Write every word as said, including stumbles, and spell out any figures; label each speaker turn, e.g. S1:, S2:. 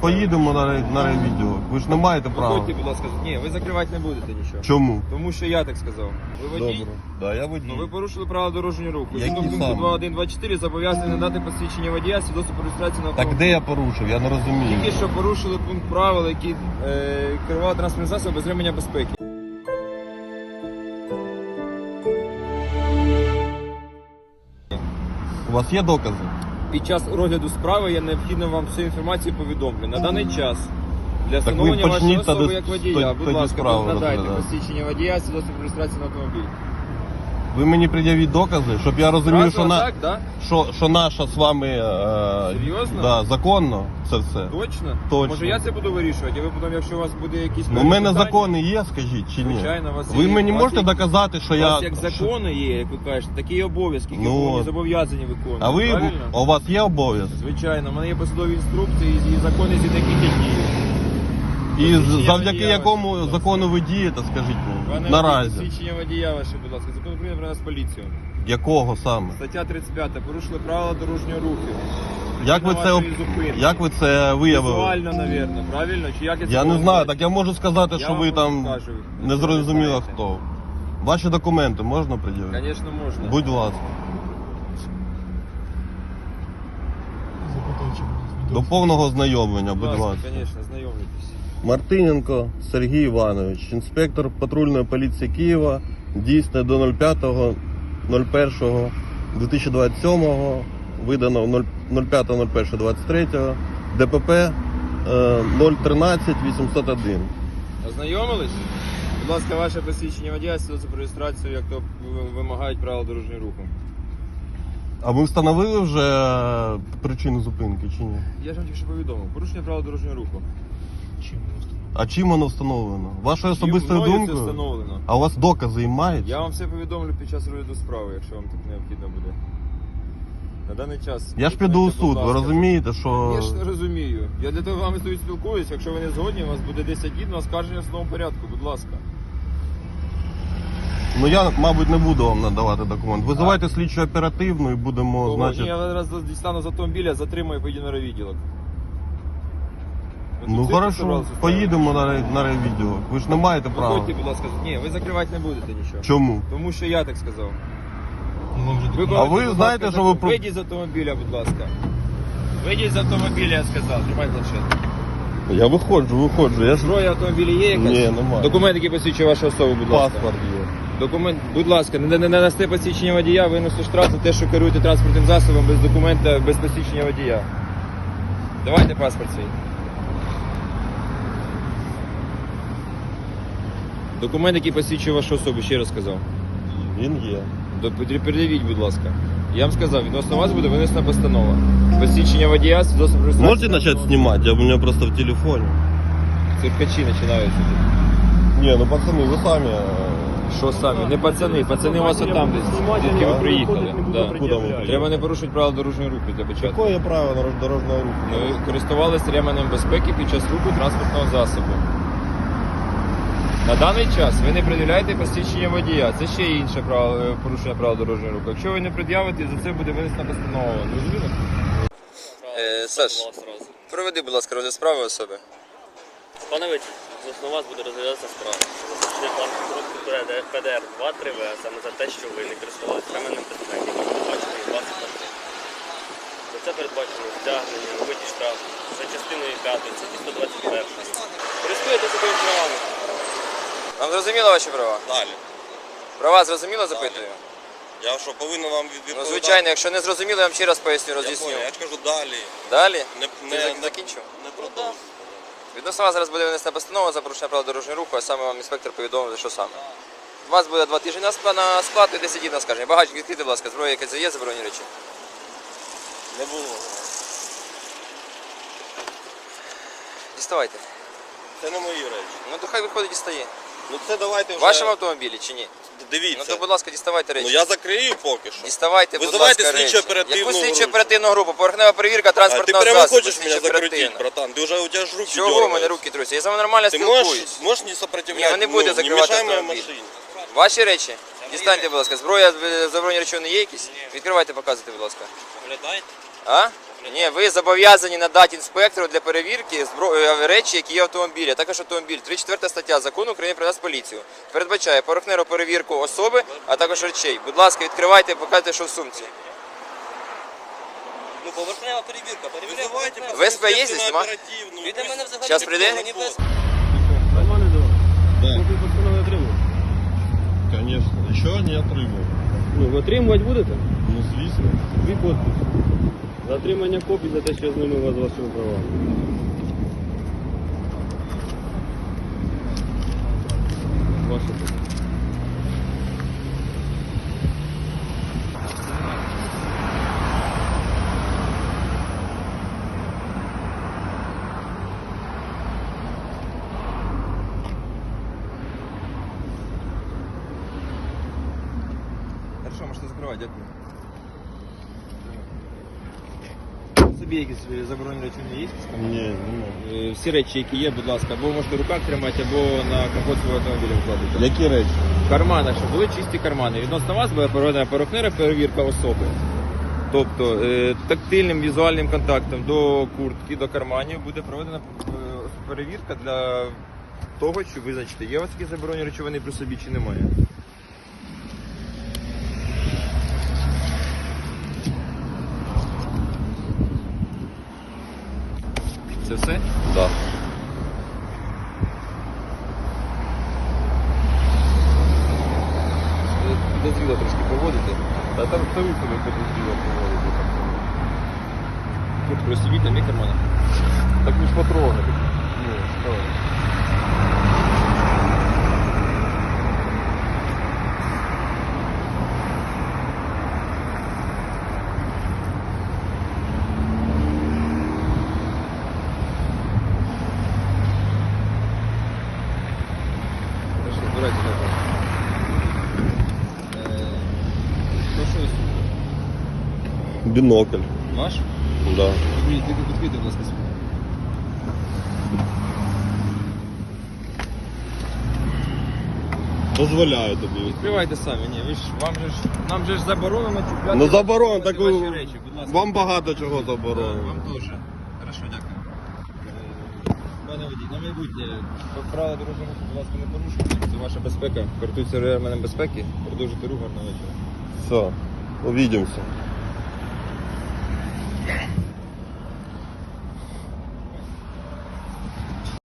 S1: поїдемо на, рай- на райвідділ. Ви ж не маєте права.
S2: Виходьте, будь ласка. Ні, ви закривати не будете нічого.
S1: Чому?
S2: Тому що я так сказав. Ви водій?
S1: Добре. Да, я водій.
S2: Ну ви порушили правила дорожнього руху.
S1: Які
S2: Згідно пункту
S1: саме?
S2: два один два чотири зобов'язані надати посвідчення водія, свідоцтво про реєстрацію на
S1: Так
S2: автомобіль.
S1: де я порушив? Я не розумію.
S2: Тільки що порушили пункт правил, які е, керували транспортним засобом без ремення безпеки.
S1: У вас є докази?
S2: Під час розгляду справи я необхідно вам всю інформацію повідомлю. На даний час для
S1: Так ви
S2: встановлення вашої
S1: почніть
S2: особи
S1: тоді-
S2: як водія,
S1: тоді
S2: будь ласка,
S1: справу
S2: надайте
S1: розглядати.
S2: посвідчення водія, свідоцтво про реєстрацію на автомобіль.
S1: Ви мені пред'явіть докази, щоб я розумів,
S2: Зразу
S1: що, на...
S2: так, да?
S1: що, що наша з вами е...
S2: Серйозно?
S1: Да, законно це все.
S2: Точно?
S1: Точно.
S2: Може я це буду вирішувати, а ви потім, якщо у вас буде якісь...
S1: Ну, у мене
S2: питання,
S1: закони є, скажіть, чи ні?
S2: Звичайно, у вас
S1: Ви
S2: є.
S1: мені
S2: У вас
S1: можете
S2: є-
S1: доказати, що
S2: У
S1: я...
S2: вас як закони є, як ви кажете, такі і обов'язки, які
S1: Ну,
S2: ви
S1: от.
S2: зобов'язані виконувати.
S1: А ви,
S2: правильно?
S1: у вас є обов'язок?
S2: Звичайно, в мене є посадові інструкції і закони, з яких я дію.
S1: І
S2: Посвідчення
S1: завдяки
S2: водія
S1: якому
S2: ваше, будь ласка.
S1: закону ви дієте, скажіть мені,
S2: Пане
S1: наразі?
S2: Посвідчення водія ваше, будь ласка. Закон України про нас поліцію.
S1: Якого саме?
S2: Стаття тридцять п'ята. Порушили правила дорожнього руху.
S1: Як ви,
S2: На
S1: це,
S2: вашої зупинки.
S1: як ви це виявили?
S2: Візуально, навірно, правильно? Чи як я це
S1: Я не
S2: можу
S1: знаю,
S2: сказати?
S1: так я можу сказати,
S2: Я
S1: що
S2: вам
S1: ви
S2: просто
S1: там
S2: скажу,
S1: не
S2: якщо ви
S1: зрозуміло
S2: знаєте.
S1: хто. Ваші документи можна пред'явити?
S2: Звісно, можна.
S1: Будь ласка. До повного знайомлення, будь ласка.
S2: Звісно, знайомлюйтесь.
S1: Мартиненко Сергій Іванович, інспектор патрульної поліції Києва, дійсне до нуль п'ятого першого дві тисячі двадцять сьомого, видано нуль п'ятого першого двадцять третього, ДПП е, нуль тринадцять вісімсот один.
S2: Ознайомились? Будь ласка, ваше посвідчення водія, свідоцтво про реєстрацію, як то вимагають правила дорожнього руху.
S1: А ви встановили вже причину зупинки чи ні?
S2: Я ж вам тільки що повідомив. Порушення правил дорожнього руху.
S1: А чим воно встановлено? Вашою
S2: Чим
S1: особистою
S2: мною це
S1: думкою?
S2: встановлено?
S1: А у вас докази і мають?
S2: Я вам все повідомлю під час розгляду справи, якщо вам так необхідно буде. На даний час...
S1: Я ж піду у
S2: будь
S1: суд, ви
S2: ласка.
S1: розумієте, що...
S2: Я ж розумію. Я для того з вами тут спілкуюсь. Якщо ви не згодні, у вас буде десять днів на оскарження в судовому порядку. Будь ласка.
S1: Ну я, мабуть, не буду вам надавати документ. Визивайте слідчу оперативну і будемо,
S2: Кого?
S1: значить...
S2: Ні, я зараз дістану з автомобіля, затримаю і поїду на райвідділок. Ви
S1: Ну
S2: тут
S1: хорошо,
S2: зібралися
S1: поїдемо на, рай- на райвідділ. Ви ж не маєте права.
S2: Виходьте, будь ласка. Ні, ви закривати не будете нічого.
S1: Чому?
S2: Тому що я так сказав.
S1: А ви знаєте, що ви про-
S2: Вийдіть з автомобіля, будь ласка. Вийдіть з автомобіля, я сказав. Тримай планшет.
S1: Я виходжу, виходжу. Я ж...
S2: Зброя в автомобілі є якась?
S1: Ні, немає.
S2: Документ, який посвідчує вашу особу, будь ласка.
S1: Паспорт є.
S2: Документ, будь ласка, не, не, не дасте посвідчення водія, винесу штраф за те, що керуєте транспортним засобом без документа, без посвідчення водія. Давайте паспорт свій. Документ, який посвідчує вашу особу, ще раз сказав.
S1: Він є.
S2: До- Передавіть, будь ласка. Я вам сказав, відносно вас буде винесена постанова. Посвідчення водія, свідоцтво про реєстрацію.
S1: Можете почати знімати? Я у мене просто в телефоні.
S2: Циркачі починаються.
S1: Ні, ну пацани, ви самі... е,
S2: Що самі? Не пацани, пацани у вас отам десь, звідки ви приїхали. Да.
S1: Куди ви приїхали?
S2: Треба не порушувати правила дорожнього руху для початку.
S1: Якое право дорож- дорожнього руху?
S2: Ви користувалися ременем безпеки під час руху транспортного засобу. На даний час ви не пред'являєте посвідчення водія. Це ще інше право, е, порушення правил дорожнього руху. Якщо ви не пред'явите, за це буде винесена постанова. Зрозуміло? Е, Саш, проведи, будь ласка, розгляд справи особи.
S3: Панович, відносно вас буде розглядатися справа. Запрошення коротку Пе Де Ер два три В, а саме за те, що ви не користувалися ременем безпеки, передбачений двадцять перший. За це передбачено стягнення, вибиті штраф за частиною п'ятої, це сто двадцять першої. Користуєтеся своїми правами.
S2: Вам зрозуміло ваші права?
S4: Далі.
S2: Права зрозуміло, запитую?
S4: Я що, повинен вам від-
S2: Ну,
S4: відповідати?
S2: звичайно, якщо не зрозуміло, я вам ще раз поясню,
S4: Я
S2: роз'ясню.
S4: понял, я ж кажу далі.
S2: Далі?
S4: Не,
S2: Ти
S4: не,
S2: зак-
S4: не,
S2: закінчив?
S4: не продовжуй.
S2: Відносно вас зараз буде винесена постанова за порушення правил дорожнього руху, а саме вам інспектор повідомив, що саме. У вас буде два тижні на ск- на склад і десять днів на скарження. Багажник відкрити, будь ласка, зброя якась є, заборонені речі.
S4: Не було.
S2: Діставайте.
S4: Це не мої речі.
S2: Ну то хай виходить дістає.
S4: Ну це давайте вже...
S2: В вашому автомобілі чи ні?
S4: Дивіться.
S2: Ну то, будь ласка, діставайте речі.
S4: Ну я закрию поки що.
S2: Діставайте, будь
S4: Визивайте
S2: ласка, речі.
S4: слідчо-оперативну
S2: Яку
S4: групу.
S2: слідчо-оперативну групу? Поверхнева перевірка
S4: А ти
S2: транспортного
S4: прямо
S2: засобу.
S4: хочеш мене
S2: слідчо-оперативна.
S4: закрутити, братан? Ти вже, у тебе ж руки
S2: Чого у
S4: дергаються.
S2: мене руки трусять? Я з вами нормально
S4: Ти
S2: спілкуюсь.
S4: можеш, можеш не сопротивляти?
S2: Ні, ви не будете
S4: ну,
S2: закривати
S4: не мішай моїй
S2: автомобіль.
S4: машині.
S2: Ваші речі? Дістаньте, будь ласка. Зброя, е, заборонені речовини є якісь? Відкривайте, показуйте, будь ласка.
S4: Оглядайте.
S2: А? Ні, ви зобов'язані надати інспектору для перевірки збро... е, речі, які є в автомобілі, а також автомобіль. тридцять четверта стаття Закону України про Нацполіцію передбачає поверхневу перевірку особи, а також речей. Будь ласка, відкривайте і покажіть, що в сумці.
S3: Ну, поверхнева перевірка. Перевіряємо
S4: Визивайте
S3: поверхнево.
S2: Ви СП їздите,
S4: на
S2: нема?
S4: оперативну.
S3: Він до мене взагалі
S2: Щас
S3: не
S2: прийде?
S3: мені без...
S5: Нормально дела?
S1: Да.
S5: Копію постанови отримали?
S1: Конечно. Еще не отримав.
S5: Ну, ви отримувати будете?
S1: Ну, звісно.
S5: Дві підписи. За отримання копій за те, що я знайомив вас з вашими правами. Ваше тут.
S2: Хорошо, можете закривати, дякую.
S6: Собі якісь заборонені речі не є?
S1: Ні, нема.
S6: Е, Всі речі, які є, будь ласка, або можете в руках тримати, або на капот свого автомобіля вкладати.
S1: Які речі?
S6: В карманах, щоб були чисті кармани. Відносно вас буде проведена поверхнева перевірка особи. Тобто е, тактильним візуальним контактом до куртки, до карманів буде проведена е, перевірка для того, щоб визначити, є у вас якісь заборонені речовини при собі чи немає. Це все?
S1: Да.
S6: Підозріло трошки поводити.
S1: Та там хто себе потрібно проводити.
S6: Куртку розсібіть, там є кармани.
S1: Так ви ж потрогали. Ну, що?
S6: Хорошо, збирайте так. Е, Що щось?
S1: Бінокль.
S6: Ваш?
S1: Да.
S6: Відкрийте, відкрийте, будь ласка, свій.
S1: Дозволяю тобі.
S6: Відкривайте самі, ні, ви ж, вам же ж, нам же ж заборонено чіпляти.
S1: Ну заборонено, так
S6: ваші
S1: ви-
S6: речі, будь ласка.
S1: вам багато чого
S6: Да,
S1: заборонено.
S6: Вам теж. Хорошо, дякую. Е, Пане водій, на майбутнє, правила дорожнього руху, будь ласка, не порушуйте. Це ваша безпека. Користуйтеся ременем безпеки. Продовжуйте рух, гарного вечора.
S1: Все, увидимся.